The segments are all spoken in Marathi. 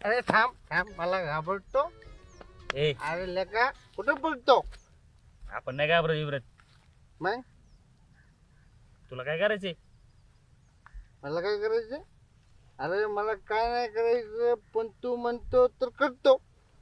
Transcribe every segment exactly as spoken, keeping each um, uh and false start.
अरे थांब थांब मला घाबरतो. ए अरे लेका कुठं बोलतो आपण नाही घाबरत इब्रत. मग तुला काय करायचंय? मला काय करायचं? अरे मला काय नाही करायचं, पण तू म्हणतो तर करतो.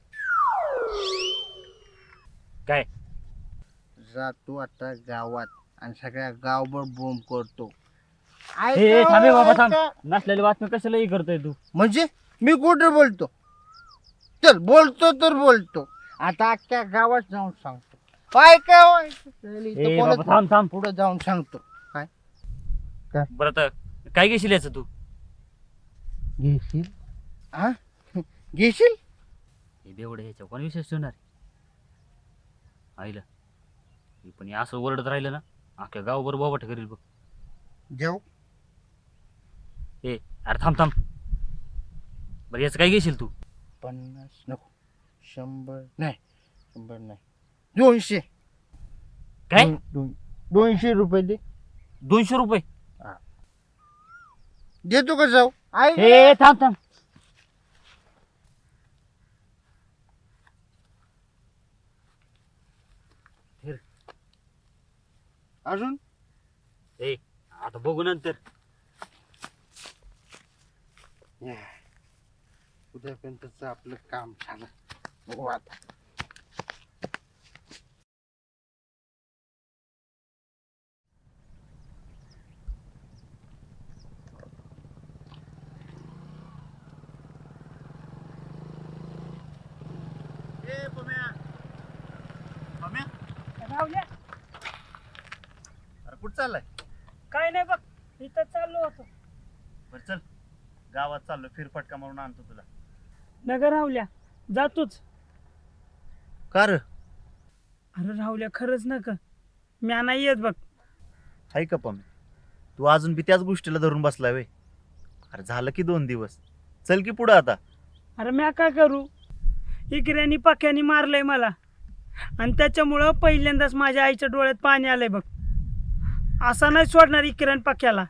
काय? जा तू आता गावात आणि सगळ्या गावभर बोंब करतो. ए ए, थांबे बाबा थांब. नसलेली बातमी कशालाही करतोय तू? म्हणजे मी कुठं बोलतो? चल बोलतो तर बोलतो. आता अख्ख्या गावात जाऊन सांगतो. काय काय ए बाबा थांब थांब. पुढे जाऊन सांगतो. काय बरं तर काय घेशील याचं तू? घेशील? हा घेशील? हे बेवडे ह्याच्या कोण विशेष ठेवणार आईला? हे पण हे असं ओरडत राहिलं ना अख्ख्या गावभर बोबाट करील बघ. जाऊ ए अरे थांब थांब. बरं याचं काय घेशील तू? पन्नास नको, शंभर नाही, शंभर नाही, दोनशे. काय? दोन- दोन- दोनशे रुपये दे. दोनशे रुपये? देतो का जाऊ? आई ए थांब थांब. अजून ए आता बघू नंतर. उद्यापर्यंतच आपलं काम झालं. बघू आता. ए पम्या, पम्या, राहुल्या अरे कुठं चाललाय? काय नाही बघ, इथं चाललो होतो. बरं चल गावात चाललो, फिरफटका मारून आणतो तुला. नगर राहुल्या जातोच. का रे? अरे राहुल्या खरंच नका, म्या नाही येत बघ. हाय का पम्या, तू अजून बी त्याच गोष्टीला धरून बसलाय वे? अरे झालं की दोन दिवस, चल की पुढं आता. अरे म्या काय करू, इकऱ्यानी पक्यानी मारलंय मला आणि त्याच्यामुळं पहिल्यांदाच माझ्या आईच्या डोळ्यात पाणी आलंय बघ. असा नाही सोडणार इकऱ्यान पक्याला.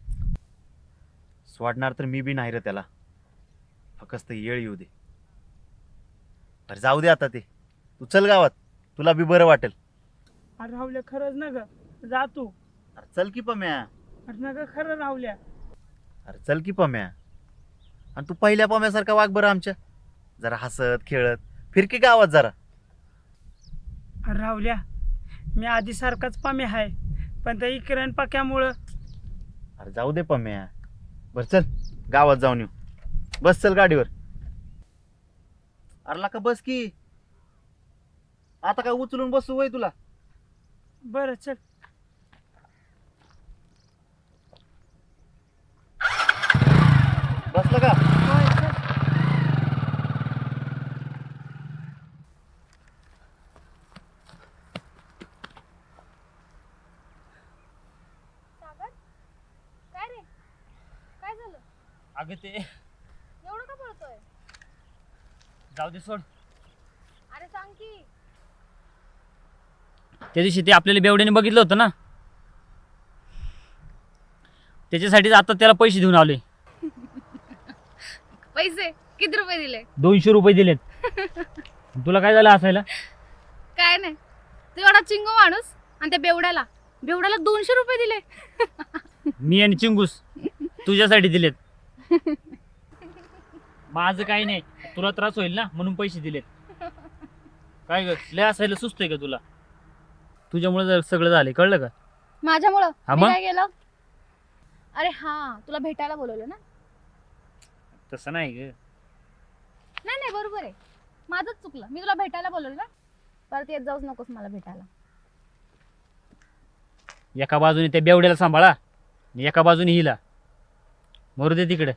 सोडणार तर मी बी नाही रे त्याला, फक्त येळ येऊ दे. अरे जाऊ दे आता ते, तू चल गावात, तुला बी बरं वाटेल. अरे राहुल्या खरंच ना ग, जातो. अरे चल की पम्या, अरे नका खरं राहुल्या. अरे चल की पम्या. आणि तू पहिल्या पम्यासारखा वाग बरं आमच्या, जरा हसत खेळत फिर की गावात जरा. अरे राहुल्या मी आधी सारखाच पामे आहे, पण त्या इकऱ्यान पक्यामुळं. अरे जाऊ दे पम्या, बरं चल गावात जाऊन येऊ. बस चल गाडीवर. अरे का बस की, आता काय उचलून बसू वय तुला? बरं चल. बसलं का? होय, चल. सागर काय रे, काय झालं? अगं ते एवढं का पळतोय? जाऊ दे सोड. अरे सांग की. त्या दिवशी ते आपल्याला बेवड्याने बघितलं होतं ना, त्याच्यासाठीच आता त्याला पैसे देऊन आलोय. पैसे किती रुपये दिले? दोनशे रुपये दिलेत. तुला काय झालं असायला? काय नाही, तू एवढा चिंगो माणूस आणि त्या बेवड्याला बेवड्याला दोनशे रुपये दिले. मी आणि चिंगूस तुझ्यासाठी दिलेत. माझं काही नाही, तुला त्रास होईल ना म्हणून पैसे दिलेत. काय ग लय असायला सुचतंय का तुला? तुझ्यामुळे सगळं झालंय, कळलं का? माझ्यामुळं हा मी मग? काय केलं? अरे हा तुला भेटायला बोलवलं ना. तसं नाही ग. नाही नाही बरोबर आहे, माझंच चुकलं. मी तुला भेटायला बोलवलं ना, परत येत जाऊच नकोस मला भेटायला. एका बाजूने त्या बेवड्याला सांभाळा आणि एका बाजूने हिला. मरू दे तिकडे.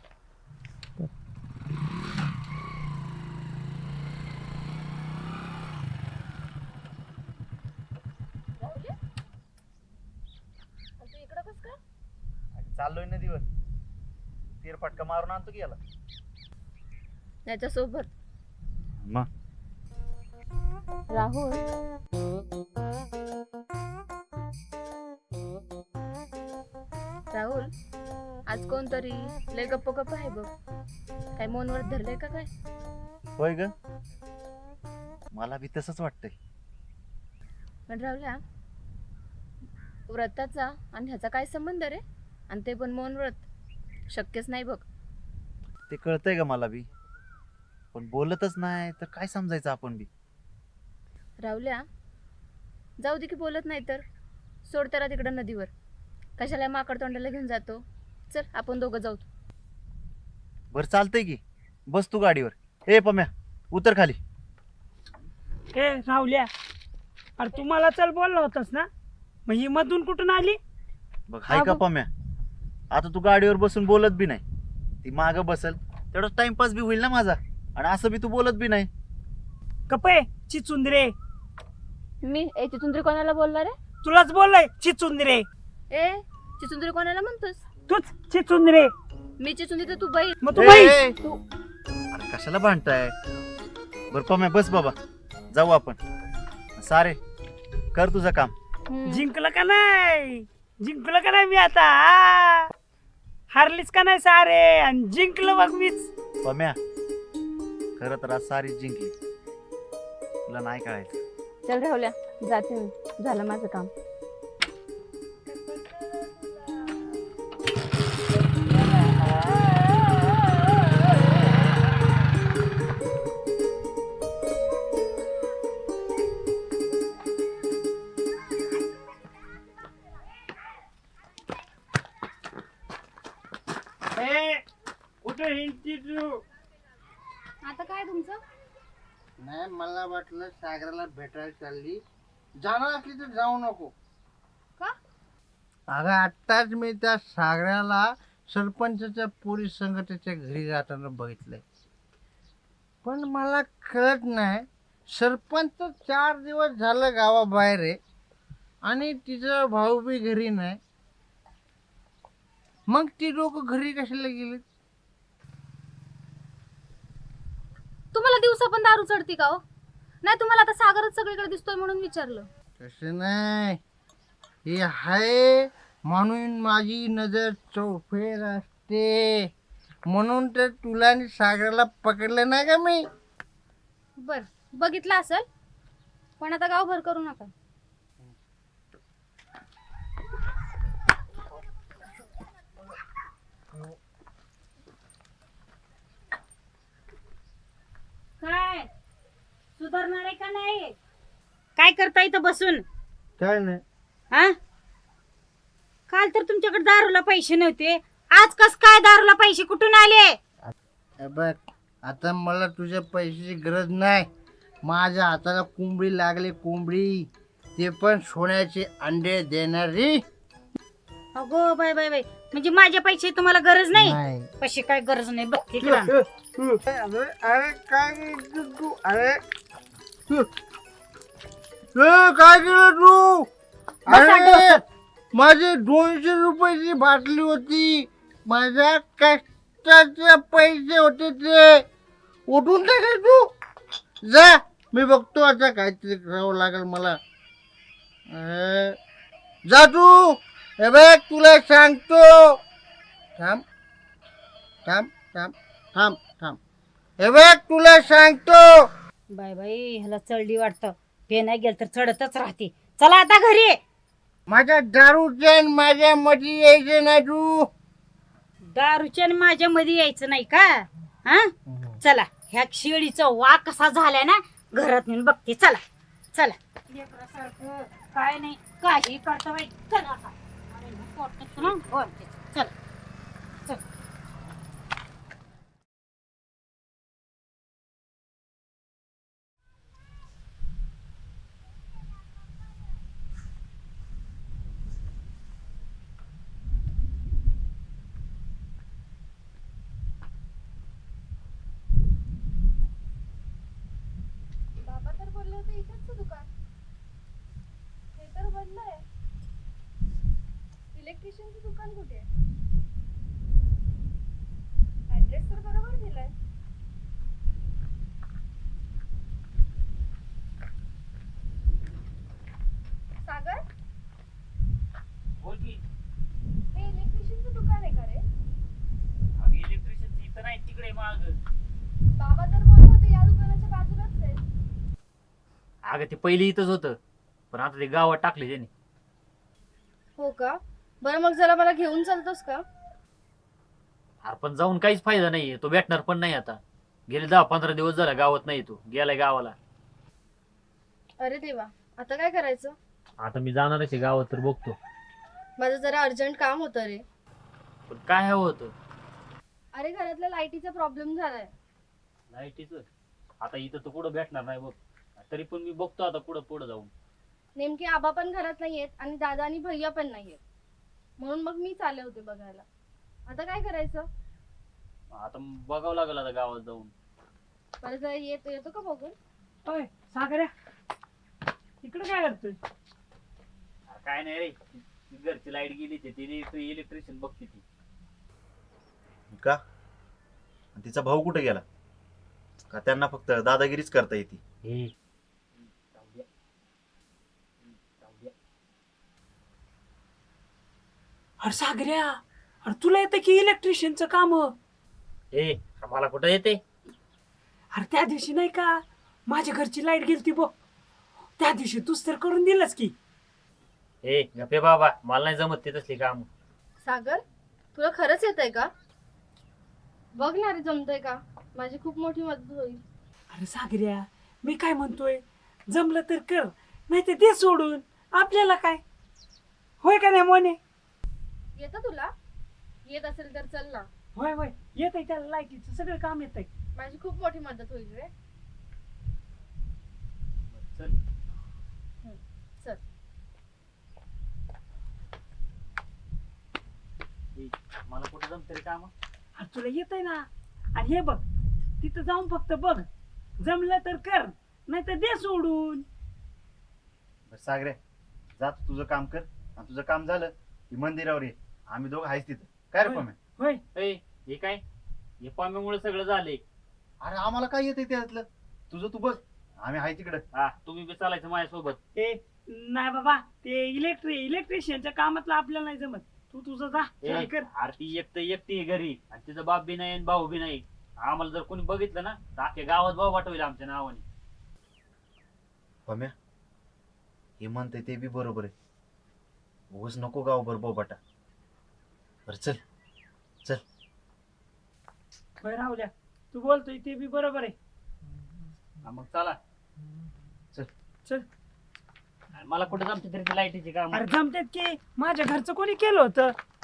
तू इकडं कस काय? चाललोय नदीवर, फिरफटका मारून आणतो की याला. त्याच्यासोबत मग राहुल. राहुल आज कोणतरी लय गप्प गप्प आहे बघ. काय मौनव्रत धरलंय का काय? होय ग, मला बी तसंच वाटतंय. पण राहुल्या, व्रताचा आणि ह्याचा काय संबंध रे? आणि ते पण मौन व्रत शक्यच नाही बघ. ते कळतंय ग मला बी, पण बोलतच नाही तर काय समजायचं आपण बी. राहुल्या, जाऊ दे की बोलत नाही तर सोड त्याला तिकडं नदीवर. कशाला माकड तोंडाला घेऊन जातो? चल आपण दोघं जाऊ. बरं चालतंय की, बस तू गाडीवर. ए पम्या, उतर खाली. ए राहुल्या, अरे तू मला चल बोलला होतास ना, मग ही मधून कुठून आली? बघ हाय हा का बघ. पम्या, आता तू गाडीवर बसून बोलत बी नाही, ती मागं बसल तेवढा टाइमपास बी होईल ना माझा, आणि असं बी तू बोलत बी नाही. कपे चिचुंदरे, मी ए चिचुंद्री कोणाला बोलला रे? तुलाच बोललाय चिचुंदरे. ए चिचुंद्री कोणाला म्हणतोस? तूच चिचुंदरे. मी चिचुंद्री तर तू बाई. मग तू ए, बाई. ए, अरे कशाला भांडताय? बर पम्या बस बाबा, जाऊ आपण. सारे कर तुझं काम. हम्म. जिंकलं का नाही? जिंकलं का नाही मी आता? आ? हारलीच का नाही सारे? आणि जिंकलं बघ मीच. पम्या, खरं तर आज सारी जिंकली, तुला नाही कळायचं. चल राहुल्या, जाते मी, झालं माझं काम. ए, कुठं हिंडती तू? आता काय तुमचं? नाही, मला वाटलं सागराला भेटायला चालली. जाणार असली तर जाऊ नको. का? अगं आत्ताच मी त्या सागराला सरपंचाच्या पोलीस संघटनेच्या घरी जाताना बघितलंय. पण मला कळत नाही, सरपंच चार दिवस झालं गावाबाहेर आहे आणि तिचा भाऊ बी घरी नाही. मग ती लोक घरी कशाला गेली? तुम्हाला दिवसा पण दारू चढती का हो? नाही तुम्हाला आता सागरच सगळीकडे दिसतोय म्हणून विचारलं. तसं नाही, हे आहे म्हणून माझी नजर चौफेर असते, म्हणून तर तुला आणि सागराला पकडलं नाही का मी. बर बघितलं असेल, पण आता गावभर करू नका. काय सुधारणार आहे का नाही? काय करता इथं बसून? काय नाही, हा, काल तर तुमच्याकडे दारूला पैसे नव्हते, आज कस काय दारूला पैसे कुठून आले? हे बघ, आता मला तुझ्या पैशाची गरज नाही. माझ्या हाताला कोंबडी लागली, कोंबडी, ते पण सोन्याचे अंडे देणारी. अगो बाय बाय बाय, म्हणजे माझ्या पैसे तुम्हाला गरज नाही? नाही. पैसे काय गरज नाही बघ तिकडं. अरे अरे काय केलं तू? अरे तू ए, काय केलं तू? बसा अरे डोक्यात. माझी दोनशे रुपयाची बाटली होती, माझ्या कष्टाचे पैसे होते, ते उठून टाकले तू. जा, मी बघतो आता काहीतरी करावं लागेल मला. अरे, जा तू. हे बघ तुला सांगतो. थांब थांब थांब थांब थांब हे बघ तुला सांगतो. बाय बाय, ह्याला चढली वाटतं, पे नाही गेल तर चढतच राहते. चला आता घरी. माझ्या दारूच्या आणि माझ्या मध्ये यायचे ना तू. दारूच्या आणि माझ्या मध्ये यायचं नाही का? हा, चला. ह्या शेळीचा वाघ कसा झालाय ना, घरात नेऊन बघते. चला चला. लेकरासारखं काय नाही, काही करता बाई. चला आता. अरे, पोटात ना ओरडते. चला चला. बाबा तर बोलले होते इथेच दुकान, हे तर बंद आहे. इलेक्ट्रिशियनचं दुकान कुठे आहे? ऍड्रेस तर बरोबर दिलाय. सागर, बोल की. हे इलेक्ट्रिशियनचं दुकान आहे का रे? इलेक्ट्रिशियन इथं नाही, तिकडे माग. अगं ते पहिली इथंच होतं, पण आता ते गावात टाकले त्याने. हो का? बरं मग जरा मला घेऊन चालतोस का? अरे पण जाऊन काहीच फायदा नाहीये, तो भेटणार पण नाही आता. गेले दहा पंधरा दिवस झाला गावात नाही, तो गेलाय गावाला. अरे देवा, आता काय करायचं? आता मी जाणारच आहे गावात, तर बघतो. माझं जरा अर्जंट काम होतं रे. पण काय हवं होतं? अरे घरातल्या लाईटीचा प्रॉब्लेम झालाय. लाईटीचं आता इथं तर कुठं भेटणार नाही बघ. तरी पण मी बघतो आता पुढं पुढं जाऊन. नेमके आबा पण घरात नाहीयेत आणि दादा आणि भैया पण नाहीयेत, म्हणून मग मी चालले होते बघायला. आता काय करायचं? आता बघावं लागेल आता गावात जाऊन. परत जरा येतो येतो का बघून? होय सागऱ्या, इकडे काय करतोय? अरे काय नाही रे, ती घरची लाईट गेली ती तिने इलेक्ट्रिशियन बघते ती. का आणि तिचा भाऊ कुठे गेला? का त्यांना फक्त दादागिरीच करता येते? हे जाऊ द्या. जाऊ द्या. अरे सागऱ्या, अरे तुला येतं की इलेक्ट्रिशियनचं काम? ए मला कुठं येते? अरे त्या दिवशी नाही का माझ्या घरची लाईट गेलती बघ, त्या दिवशी तूच तर करून दिलंस की. ए गप्पे बाबा, मला नाही जमत ते तसली काम. सागर, तुला खरंच येतंय का? बघ ना रे, जमतंय का? माझी खूप मोठी मदत होईल. अरे सागऱ्या, मी काय म्हणतोय, जमलं तर कर, नाही तर ते सोडून आपल्याला काय. होय का नाही मोने? येतं तुला? येत असेल तर चल ना. होय होय, येत आहे त्याला, लाईटीचं सगळं काम येत आहे. माझी खूप मोठी मदत होईल रे. चल. चल. ए, मला कुठं जमत रे काम? अरे तुला येत आहे ना. आणि हे बघ, तिथं जाऊन फक्त बघ, जमलं तर कर, नाही तर दे सोडून. बरं सागरे, जा तू तुझं काम कर, आणि तुझं काम झालं की मंदिरावर ये, आम्ही दोघं आहेच तिथं. काय रे होय. पम्या? होय ए हे काय? हे पाम्यामुळे सगळं झाले. अरे आम्हाला काय येते त्यातलं, तुझं तू बघ, आम्ही आहे तिकडं. हा तुम्ही बी चालायचं माझ्यासोबत. ते नाही बाबा, ते इलेक्ट्रि इलेक्ट्रिशियनच्या कामातलं आपल्याला नाही जमत. तू तुझं जा, ए, चल कर. आरती एकटं एकटी आहे घरी, आणि तिचा बाप बी नाही आणि भाऊ बी नाही. आम्हाला जर कोणी बघितलं ना तर अख्ख्या गावात भाऊ वाटवेल आमच्या नावाने. पम्या, हे म्हणते ते बी बरोबर आहे. उगाच नको गाव बरं बोबाटा. बरं चल चल. होय राहुल्या, तू बोलतोय ते बी बरोबर आहे. हा, मग चला. चल. चल. आणि मला कुठं जमते तरी लाईटीची काम. अरे जमतेत की, माझ्या घरचं कोणी केलं होतं?